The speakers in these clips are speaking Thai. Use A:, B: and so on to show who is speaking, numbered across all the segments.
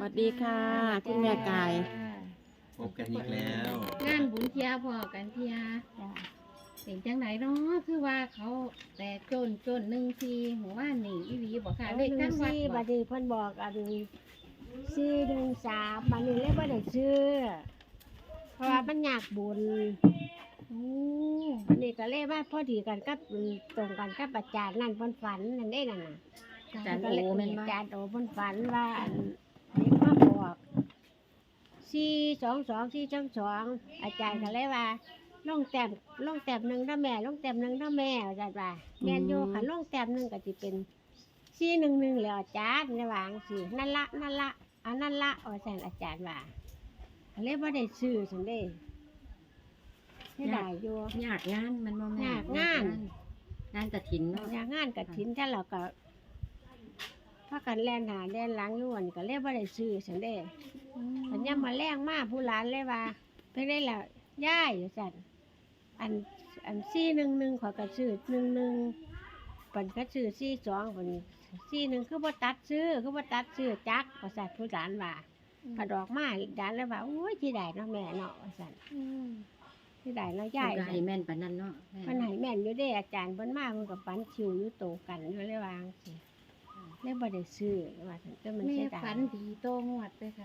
A: วัสดีค่ะคุณแม่กาย
B: พบกันอีกแล้ว
C: งานบุญเทียพอกันเทียเป็นจังไหนเนาะคือว่าเขาแต่จน1 4หัวว่านี่อีหลีบอกค่ะเลขทั้งวัด
D: บัดนี้เพิ่นบอกอัน413บัดนี้เลยบ่ได้ซื้อเพราะว่ามันยากบุญอันนี้ก็เลยว่าพอดีกันกับตรงกันกับอาจารย์นั่นเพิ่นฝันนั่นเด้นั่นน่ะ
C: อาจารย์โอแม่นบ่
D: อาจารย์โอเพิ่นฝันว่าอันเด็กมาบอก422 อาจารย์ก็เลยว่าลงแต้มหนึงเด้อแม่ลงแต้มหนึงเด้อแม่อาจารย์ว่าแม่นอยู่คันลงแต้มหนึงก็สิเป็น411แล้วอาจารย์ได้ว่าจังซี่นั่นละอันนั้นละอาจารย์ว่าก็เลยบ่ได้ซื้อซั่นเด้ให้ได้อยู่
C: ยากงานมันบ่แม่
D: ยากงาน
C: งานกฐินเนาะ
D: อยากงานกฐินถ้าเราก็พากันแล่นหาแล่นหลังอยู่อั่นก็เลยบ่ได้ซื้อซั่นเด้สัญญามาแรงมาผู้หลานเลยว่าเพิ่นได้ล่ะยายว่าซั่นอัน411ข้อยก็ซื้อ11เพิ่นก็ซื้อ42เพิ่น41คือบ่ตัดซื้อจักว่าซั่นผู้หลานว่าพอดอกมาหลานเลยว่าโอ้ยสิได้เนาะแม่เนาะว่าซั่นสิได้เนาะยาย
C: ก็ให้แม่นปานนั้นเนาะ
D: เพิ่นให้แม่นอยู่เด้อาจารย์เพิ่นมาเพิ่นก็ปันคิวอยู่โตกันอยู่เลยว่าจังซี่เลยบ่ได้ซื้อว่าซั่นแต่มัน
C: แม่
D: เสียดาย
C: ฝันดีโตงวดไปค่ะ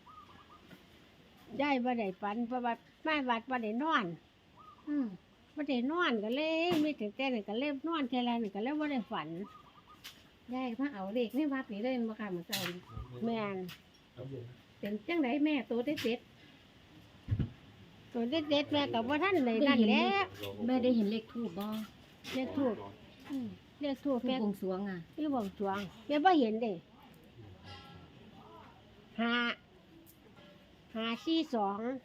D: ยายบ่ได้ฝันเพราะว่ามาวัดบ่ได้นอน
C: อืม
D: บ่ได้นอนก็เลยมีแต่นั่นก็เลยนอนเท่าไรนั่นก็เลยบ่ได้ฝัน
C: ยายมาเอาเลขในวัดนี่เลยบ่ค่ะมื้อเช้านี้
D: แม่น
C: เป็นจังไดแม่โตได้เด็ด
D: ตัวเด็ดๆแม่ก็บ่ทันได้นั่นแหละ
C: แม่ได้เห็นเลขทูบบ่
D: เลขทูบเลขทูบ
C: ทู
D: แม่
C: บวงสรวงอ่ะ
D: อยู่บ่งสรวงแม่บ่เห็นเด้542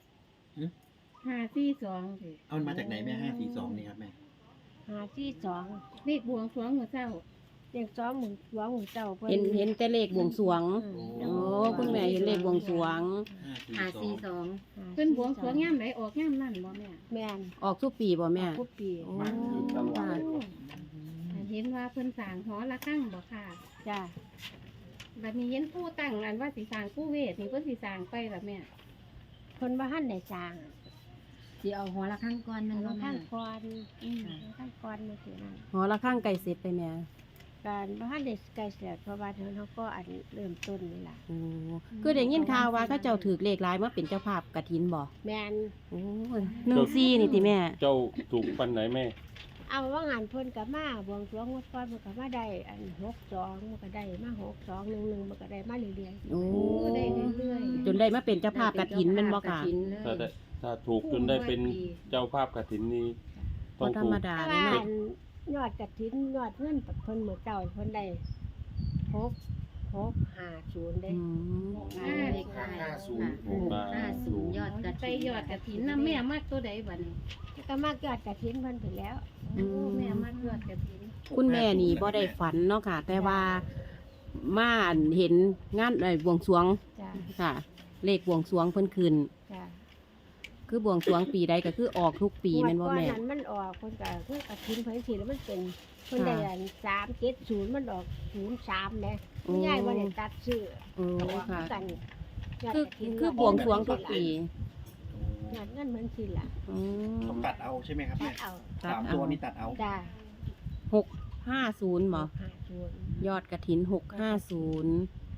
C: 542สิ
B: เอามันมาจากไหนแม่542นี่ครับแม่
D: 542
C: เลขบวงสรวงมื้อเช้า
D: เลข2หมื่นสองหมื่นเจ้าเพิ่น
A: เห็นแต่เลขบวงสรวง
D: อืม
A: โอ้คุณแม่เห็นเลขบวงสรวง
C: 542เพิ่นบวงสรวงยามไหนออกยามนั้นบ่แม่
D: แม่น
A: ออกทุกปีบ่แม่
D: ทุกปี
A: โอ้ค่ะ
C: เห็นว่าเพิ่นสร้างหอระฆังบ่ค่ะ
D: จ้า
C: บัดนี้เห็นผู้ตั้งอันว่าสิสร้างผู้เวทนี่เพิ่นสิสร้างไปล่ะแม่
D: เพิ่นบ่ทันได้สร้าง
C: สิเอาหอระฆังก่อนมัน
D: เพิ่
C: บ่
D: น
C: แม่
D: ท่านก่อนท่านก่อนมาสินั่น
A: หอระฆังไก่เสร็จไปแม่
D: การบ่ทันได้ใกล้เสร็จเพราะว่าเฮาก็อันเริ่มต้นนี่ล่ะ
A: โอ้คือได้ยินข่าวว่าเขาเจ้าถือเลขหลายมาเป็นเจ้าภาพกฐินบ่
D: แม่น
A: โอ้14นี่ติแม่
E: เจ้าถูกปันไหนแม่
D: เอาว่างานเพิ่นก็มาบวงสรวงงวดก่อนมันก็มาได้อัน62มันก็ได้มา62 11มันก็ได้มาเรื่อย
A: โอ้
C: ได้เรื่อยๆ
A: จนได้มาเป็นเจ้าภาพกฐินแม่นบ่ค่ะ
E: ถ้าถูกจนได้เป็นเจ้าภาพกฐินนี้ต้
A: บ่
E: อง
A: ธร
E: ถู
A: รม
E: ก
A: ดา
D: ๆแต่
A: เลย
D: ว่า
A: เนาะ
D: อันยอดกฐินยอดเงินเพิ่นมื้อเจ้าเพิ่นได้650เด้
A: อืม
C: เลขท้าย
E: 50
C: ยอดกระไปยอดกระถินนำแม่มากตัวใดบัดนี้
D: ก็มายอดกฐินเพิ่นไปแล้ว
C: โอ้แม่มากยอดกระถิน
A: คุณแม่นี่บ่ได้ฝันเนาะค่ะ แต่ว่ามาเห็นงานบวงสรวง
D: จ้า
A: ค่ะ เลขบวงสรวงเพิ่นขึ้น
D: จ้า
A: คือบวงสรวงปีใดก็คือออกทุกปีแม่นบ่แม่
D: งวดก่อนนั้นมันออกคนก็คือกระทิ้นเพิ่นสิแล้วมันเป็นเพิ่นได้อัน370มันออก03แหม
A: โอ้
D: ยายบ่ได้ตัดซื้อ
A: โอ้ค่ะ
D: กันยด
A: คือก
D: ฐิน
A: คือบวงสรวงทุกปี
D: ยอดเงินมันสิล่ะ
A: อืม
B: ต้องตัดเอาใช่ไหมครับ
D: ตั
B: แม่
D: ดเอา
A: ตัด
B: สาม
A: เอา
B: ตัวนี่ตัดเอา
D: จ้า
A: 650บ่
D: 50
A: ยอดกระถิน650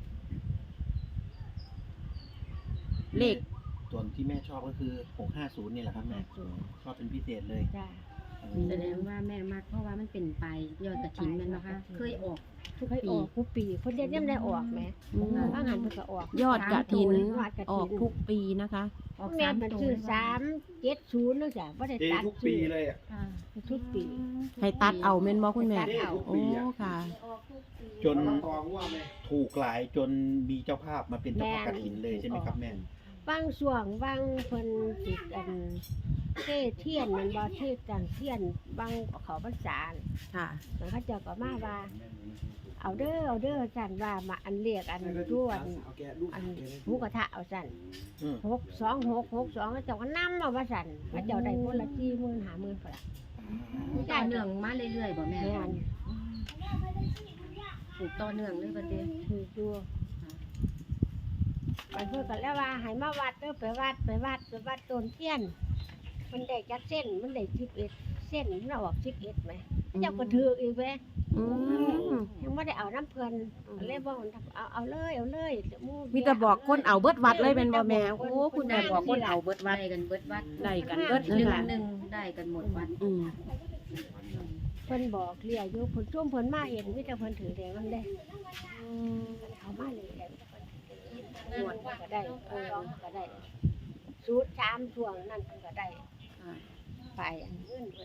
A: เลข
B: ส่วนที่แม่ชอบก็คือ650นี่แหละครับแม่
D: 50
B: ชอบเป็นพิเศษเลย
D: จ้า
C: แสดงว่าแม่มากเพราะว่ามันเป็นไปยอดกระถินแม่นบ่คะเคยออกทุก
D: เคย
C: ปี
D: ออกทุกปีเพิ่นยังได้ออกแหม
A: อืม
D: ว่างานเพิ่นก็ออก
A: ยอดกระถิน
D: ยอดกฐิน
A: ออกทุกปีนะคะ
C: ออก
D: แม่
C: 3
D: มัน
C: ตัว
D: ซื้อ370เนาะจ้ะบ่ได้ตัดซื้อ
C: ค่ะ
D: ทุกปี
A: ให้ตัดเอาแม่นบ่คุณแม่
D: ตัดเอา
A: โอ้ค่ะ
B: จนถูกหลายจนมีเจ้าภาพมาเป็นเจ้าภาพกฐินเลยใช่ไหมครับแม่
D: บางช่วงบางเพิ่นสิอันเทเทียนมันบ่เทจังเทียนบางเขาพรรษา
A: ค่ะ
D: มันเขาเจ้าก็มาว่า เอาเด้อสั่นว่ามาอันเรียกอันรวนอันหมูกระทะเอาสั่น
B: อืม
D: 62662เขาเจ้าก็นำมาว่าสั่นเขาเจ้าได้คนละ40,000 50,000พุ่นล่ะ
C: ต่อเนื่องมาเรื่อยๆบ่แม่
D: แม่น
C: ถูกต่อเนื่องเลยบัดนี้
D: ถืออยู่มันเพิ่นก็แล้วว่าให้มาวัดเด้อไปวัดต้นเทียนมันได้จักเส้นมันได้11เส้นมันออก11ไหมเจ้าก็ถืออีกแหม
A: อืม
D: ยังไม่ได้เอาน้ำเพิ่นก็เลยบอกเอาเลยห
A: มีแต่บอกคนเอาเบิดวัดเลยเป็นบ่แม่โอ้คุณแม่บอกคนเอาเบิดวัด
C: ได้กันเบิดวัด
A: ได้กันเบิด
C: หนึ่ง
A: ค่ะ
C: หนึ่งได้กันหมดวัด
A: อืม
D: เพิ่นบอกเรียอยู่เพิ่นช่วงเพิ่นมาเห็นมีแต่เพิ่นถือแดงมันได้เขามาเลยแดงหมดก็ได้ก็ได้สูตร3ช่วงนั่นเพิ่นก็ได้
A: อ่า
D: ไปอันเงินเพิ่น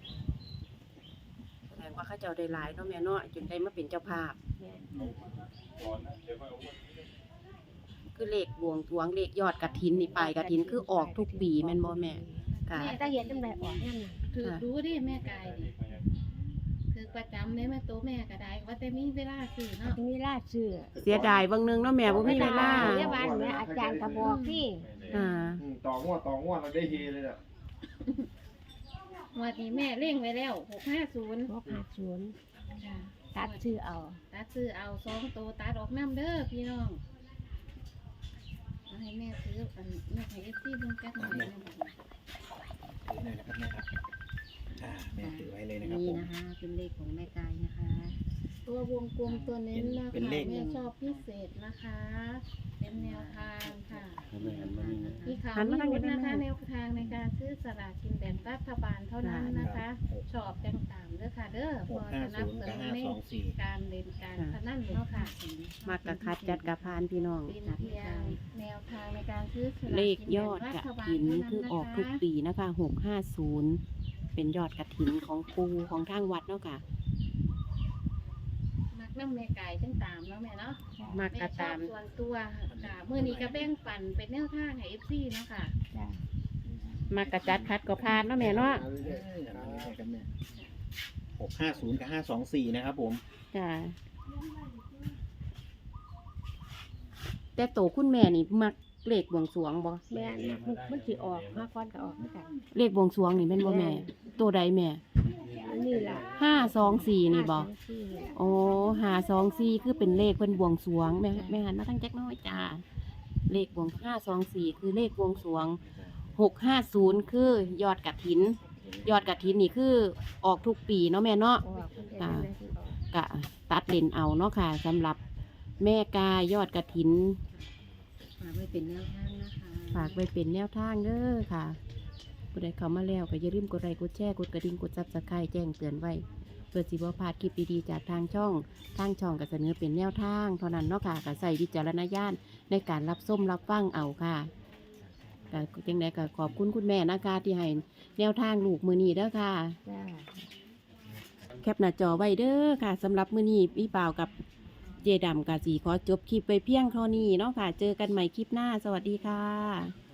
A: แสดงว่าเขาเจ้าได้หลายเนาะแม่เนาะจนได้มาเป็นเจ้าภาพ
D: แม่น
A: คือเลขบวงสรวงเลขยอดกฐินนี่ปลายกฐินคือออกทุกปีแม่นบ่แม่ค่ะ
D: แม่ถ้าเห็นจังได๋ออกนั่นน่ะ
C: ถือรู้ดิแม่กายดิถือประจำเลยแม่โตแม่ก็ได้ว่าแต่มีเวลาซื้อเนาะ
D: มีราชชื่อ
A: เสียดายบางนึงเนาะแม่บ่มีเวลา
D: เรียกว่าแม่อาจารย์ก็บอกพี่
A: อ่า
B: ต่องวดเราได้เฮเลยอ่ะ
C: วันนี้แม่เร่งไว้แล้ว650
D: 650ตัดชื่อเอา
C: ตัดซื้อเอา2โตตัดออกน้ำเด้อพี่น้องเอาให้แม่ซื้ออันแม่ให้ FC เบิ่งจักหน่อยนะบัดนี้
B: ถือหน่อยนะครับแม่ครับแม่ถือไว้เลยนะครับ
C: นี่
B: ผม
C: นะคะเป็นเลขของแม่กายนะคะ ตัววงกลมตัวเน้นนะคะ
B: เป็นเลข
C: แม่ชอบพิเศษนะคะ เป็นแนวทางค่ะ
E: ให้แม่หันมานี่นะ
C: มีข่าวมีลุ้นนะคะแนวทางในการซื้อสลากกินแบ่งรัฐบาลเท่านั้นนะคะ ชอบจังตามเด้อค่ะเด้อพอสนับสนุนในการเล่นการพนันเนาะค่ะ
A: มักกะคัดจัดกะพานพี่น้อง
C: เป็นเพียงแนวทางในการซื้อสลาก
A: เลข
C: กิน
A: ย
C: แบ่
A: อง ด
C: รั
A: ก
C: ฐบาล
A: ฐิน
C: เท่านั้น
A: คือออก
C: นะ
A: ทุก
C: คะ
A: ปีนะคะ650เป็นยอดกฐินของปูของทางวัดเนาะค่ะ
C: มักน้ำแม่ไก่จังตามเนาะแม่เนาะ
A: มัก
C: แม่
A: กะ
C: ชอ
A: ตา
C: บ
A: ม
C: ส่วนตัวค่ะมื้อนี้ก็แบ่งปันเป็นแนวทางให้ FC เนาะค่ะ
D: จ้ะ
A: มักกะจัดคัดก็พานเนาะแม่เนาะ
B: 650กับ524นะครับผม
A: จ้ะแต่โตคุณแม่นี่มักเลขบวงสรวงบ่
D: แม่มันสิออก5ก้อนก็ออกเหมือนกัน
A: เลขบวงสรวงนี่แม่นบ่แม่ตัวใดแม่
D: อันนี้ล่ะ
A: 524นี่บ่
D: 524นี่
A: โอ้524คือเป็นเลขเพิ่นบวงสรวงแม่หันมาทางจักหน้อยจ้าเลขบวง524คือเลขบวงสรวง650คือยอดกฐิน ยอดกฐินนี่คือออกทุกปีเนาะแม่เนาะ
D: ออกเพิ่นจะได้แม่สิออก
A: กะตัดเลนเอาเนาะค่ะสำหรับแม่กายยอดกฐิน
C: ฝากไว้เป็นแนวทางนะคะ
A: ฝากไว้เป็นแนวทางเด้อค่ะผู้ใดเข้ามาแล้วก็อย่าลืมกดไลค์กดแชร์กดกระดิ่งกดซับสไครต์แจ้งเตือนไว้เพื่อสิบ่พลาดคลิปดีๆจากทางช่องก็เสนอเป็นแนวทางเท่านั้นเนาะค่ะก็ใส่วิจารณญาณในการรับส้มรับฟังเอาค่ะก็จังไดก็ขอบคุณคุณแม่นะคะที่ให้แนวทางลูกมือนี้เด้อค่ะ
D: จ้า
A: แคปหน้าจอไว้เด้อค่ะสำหรับมื้อนี้พี่เปล่ากับเจดํกะสีขอจบคลิปไปเพียงเท่านี้เนาะค่ะ เจอกันใหม่คลิปหน้าสวัสดีค่ะ